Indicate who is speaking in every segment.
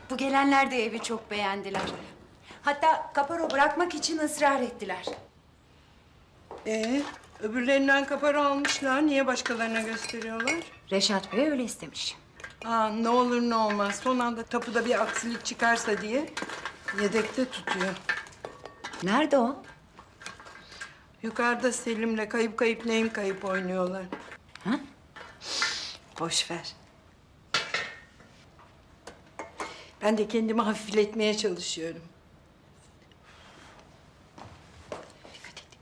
Speaker 1: Bu gelenler de evi çok beğendiler. Hatta kaparo bırakmak için ısrar ettiler.
Speaker 2: Öbürlerinden kapara almışlar. Niye başkalarına gösteriyorlar?
Speaker 1: Reşat Bey öyle istemiş.
Speaker 2: Ne olur ne olmaz. Son anda tapuda bir aksilik çıkarsa diye yedekte tutuyor.
Speaker 1: Nerede o?
Speaker 2: Yukarıda Selim'le kayıp kayıp neyim kayıp oynuyorlar.
Speaker 1: Ha?
Speaker 2: Boş ver. Ben de kendimi hafifletmeye çalışıyorum. Dikkat et.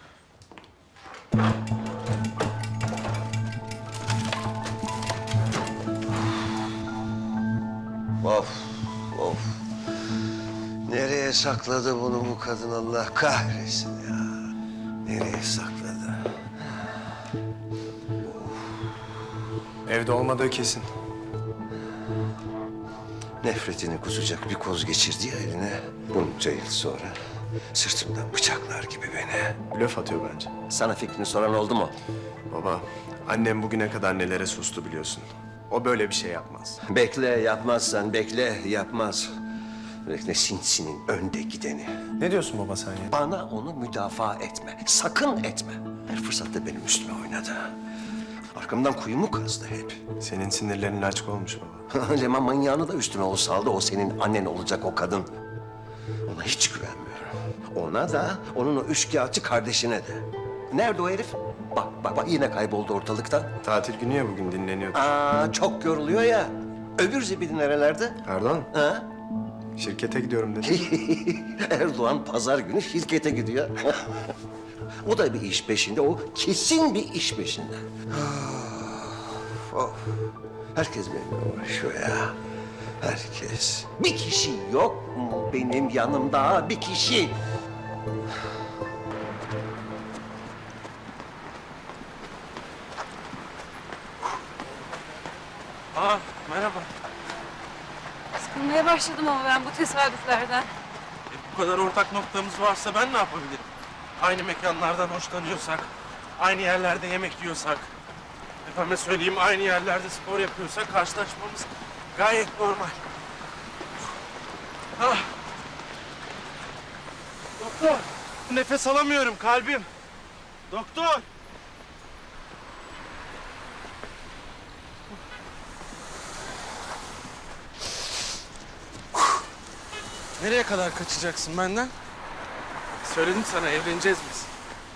Speaker 3: Of, of. Nereye sakladı bunu bu kadın Allah kahretsin ya. Nereye sakladı?
Speaker 4: Evde olmadığı kesin.
Speaker 3: Nefretini kusacak bir koz geçirdi ya eline. Bunca yıl sonra sırtımdan bıçaklar gibi beni.
Speaker 4: Blöf atıyor bence.
Speaker 3: Sana fikrini soran oldu mu?
Speaker 4: Baba, annem bugüne kadar nelere sustu biliyorsun. O böyle bir şey yapmaz.
Speaker 3: Bekle yapmazsan bekle yapmaz. Bekle sinsinin önde gideni.
Speaker 4: Ne diyorsun baba sen ya?
Speaker 3: Bana onu müdafaa etme. Sakın etme. Her fırsatta benim üstüme oynadı. Arkamdan kuyumu kazdı hep.
Speaker 4: Senin sinirlerin açık olmuş baba.
Speaker 3: Leman manyağını da üstüne o saldı. O senin annen olacak o kadın. Ona hiç güvenmiyorum. Ona da, onun o üçkağıtçı kardeşine de. Nerede o herif? Bak yine kayboldu ortalıktan.
Speaker 4: Tatil günü ya bugün dinleniyordu.
Speaker 3: Çok yoruluyor ya. Öbür zibidi nerelerde?
Speaker 4: Erdoğan,
Speaker 3: Ha?
Speaker 4: şirkete gidiyorum dedi.
Speaker 3: Erdoğan pazar günü şirkete gidiyor. O da bir iş peşinde, o kesin bir iş peşinde. Of. Herkes benimle uğraşıyor ya. Herkes. Bir kişi yok mu benim yanımda? Bir kişi.
Speaker 5: Merhaba.
Speaker 6: Sıkılmaya başladım ama ben bu tesadüflerden.
Speaker 5: Bu kadar ortak noktamız varsa ben ne yapabilirim? Aynı mekanlardan hoşlanıyorsak, aynı yerlerde yemek yiyorsak, efendime söyleyeyim aynı yerlerde spor yapıyorsak karşılaşmamız gayet normal. Ah! Doktor! Nefes alamıyorum kalbim. Doktor! Nereye kadar kaçacaksın benden? Söyledim sana evleneceğiz biz.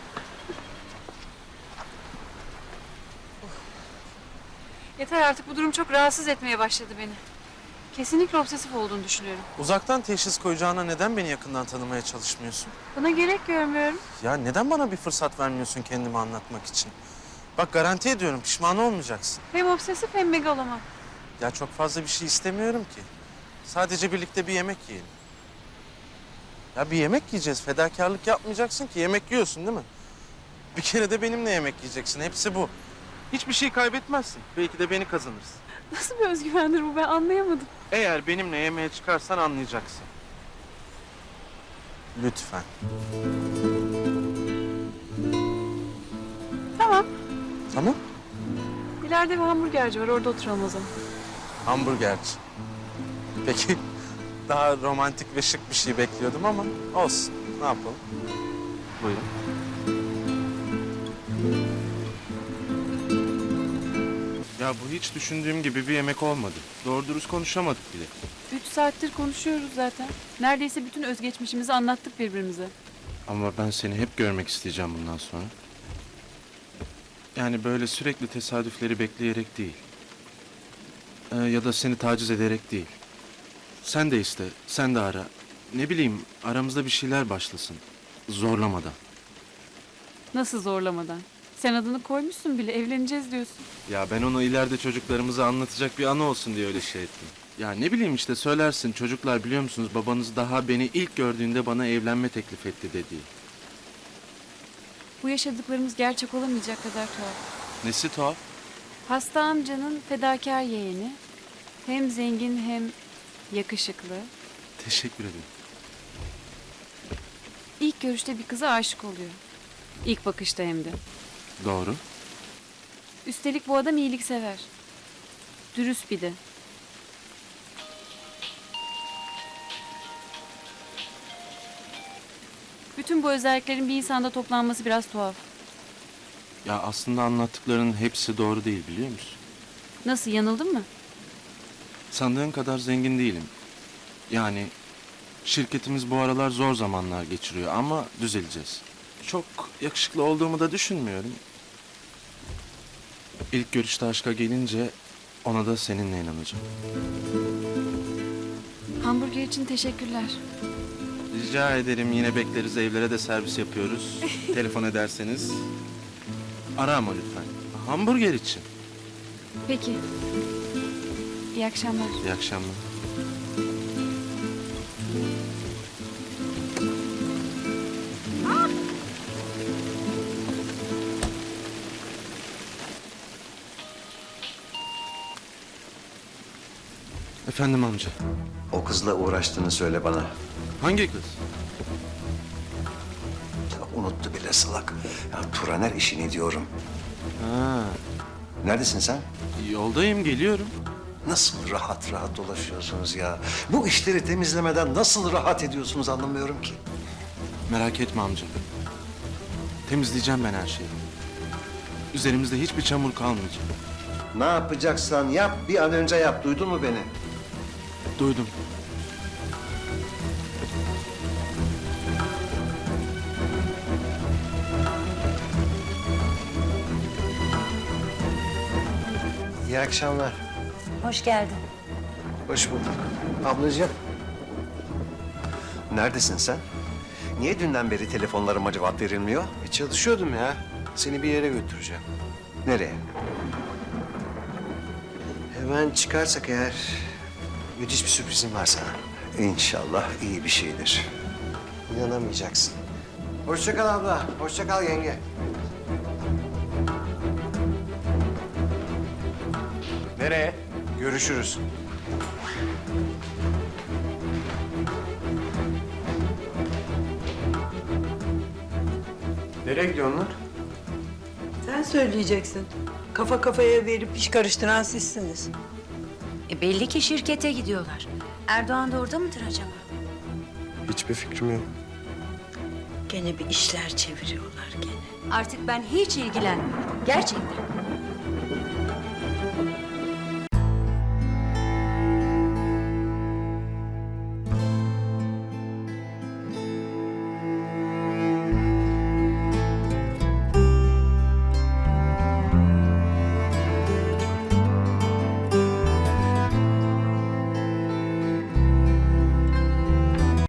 Speaker 6: Yeter artık, bu durum çok rahatsız etmeye başladı beni. Kesinlikle obsesif olduğunu düşünüyorum.
Speaker 5: Uzaktan teşhis koyacağına neden beni yakından tanımaya çalışmıyorsun?
Speaker 6: Buna gerek görmüyorum.
Speaker 5: Ya neden bana bir fırsat vermiyorsun kendimi anlatmak için? Bak garanti ediyorum pişman olmayacaksın.
Speaker 6: Hem obsesif hem megaloman.
Speaker 5: Ya çok fazla bir şey istemiyorum ki. Sadece birlikte bir yemek yiyelim. Ya bir yemek yiyeceğiz. Fedakarlık yapmayacaksın ki. Yemek yiyorsun değil mi? Bir kere de benimle yemek yiyeceksin. Hepsi bu. Hiçbir şey kaybetmezsin. Belki de beni kazanırsın.
Speaker 6: Nasıl bir özgüvendir bu, ben anlayamadım.
Speaker 5: Eğer benimle yemeğe çıkarsan anlayacaksın. Lütfen.
Speaker 6: Tamam.
Speaker 5: Tamam.
Speaker 6: İleride bir hamburgerci var, orada oturalım o zaman.
Speaker 5: Hamburgerci. Peki daha romantik ve şık bir şey bekliyordum ama olsun. Ne yapalım? Buyurun. Ya bu hiç düşündüğüm gibi bir yemek olmadı. Doğru dürüst konuşamadık bile.
Speaker 6: 3 saattir konuşuyoruz zaten. Neredeyse bütün özgeçmişimizi anlattık birbirimize.
Speaker 5: Ama ben seni hep görmek isteyeceğim bundan sonra. Yani böyle sürekli tesadüfleri bekleyerek değil. Ya da seni taciz ederek değil. Sen de iste, sen de ara. Ne bileyim, aramızda bir şeyler başlasın. Zorlamadan.
Speaker 6: Nasıl zorlamadan? Sen adını koymuşsun bile, evleneceğiz diyorsun.
Speaker 5: Ya ben onu ileride çocuklarımıza anlatacak bir anı olsun diye öyle şey ettim. Ya ne bileyim işte söylersin, çocuklar biliyor musunuz babanız daha beni ilk gördüğünde bana evlenme teklif etti dediği.
Speaker 6: Bu yaşadıklarımız gerçek olamayacak kadar tuhaf.
Speaker 5: Nesi tuhaf?
Speaker 6: Hasta amcanın fedakar yeğeni. Hem zengin hem yakışıklı.
Speaker 5: Teşekkür ederim.
Speaker 6: İlk görüşte bir kıza aşık oluyor. İlk bakışta hem de.
Speaker 5: Doğru.
Speaker 6: Üstelik bu adam iyiliksever. Dürüst bir de. Bütün bu özelliklerin bir insanda toplanması biraz tuhaf.
Speaker 5: Ya aslında anlattıklarının hepsi doğru değil biliyor musun?
Speaker 6: Nasıl, yanıldın mı?
Speaker 5: Sandığın kadar zengin değilim. Yani şirketimiz bu aralar zor zamanlar geçiriyor ama düzeleceğiz. Çok yakışıklı olduğumu da düşünmüyorum. İlk görüşte aşka gelince ona da seninle inanacağım.
Speaker 6: Hamburger için teşekkürler.
Speaker 5: Rica ederim, yine bekleriz, evlere de servis yapıyoruz. Telefon ederseniz ara ama lütfen. Hamburger için.
Speaker 6: Peki. İyi akşamlar.
Speaker 5: İyi akşamlar. Efendim amca.
Speaker 3: O kızla uğraştığını söyle bana.
Speaker 5: Hangi kız?
Speaker 3: Ya unuttu bile salak. Ya Turaner işini diyorum.
Speaker 5: Ha,
Speaker 3: Neredesin sen?
Speaker 5: yoldayım, geliyorum.
Speaker 3: Nasıl rahat rahat dolaşıyorsunuz ya? Bu işleri temizlemeden nasıl rahat ediyorsunuz anlamıyorum ki.
Speaker 5: Merak etme amca. Temizleyeceğim ben her şeyi. Üzerimizde hiçbir çamur kalmayacak.
Speaker 3: Ne yapacaksan yap, bir an önce yap. Duydun mu beni?
Speaker 5: Duydum.
Speaker 3: İyi akşamlar.
Speaker 1: Hoş geldin.
Speaker 3: Hoş bulduk. Ablacığım. Neredesin sen? Niye dünden beri telefonlarıma cevap verilmiyor?
Speaker 4: Çalışıyordum ya. Seni bir yere götüreceğim.
Speaker 3: Nereye?
Speaker 4: Hemen çıkarsak eğer müthiş bir sürprizim var sana.
Speaker 3: İnşallah iyi bir şeydir.
Speaker 4: İnanamayacaksın. Hoşça kal abla. Hoşça kal yenge. Nereye? Görüşürüz. Nereye gidiyor onlar?
Speaker 2: Sen söyleyeceksin. Kafa kafaya verip iş karıştıran sizsiniz.
Speaker 1: Belli ki şirkete gidiyorlar. Erdoğan da orada mıdır acaba?
Speaker 4: Hiçbir fikrim yok.
Speaker 2: Gene bir işler çeviriyorlar gene.
Speaker 1: Artık ben hiç ilgilenmiyorum. Gerçekten.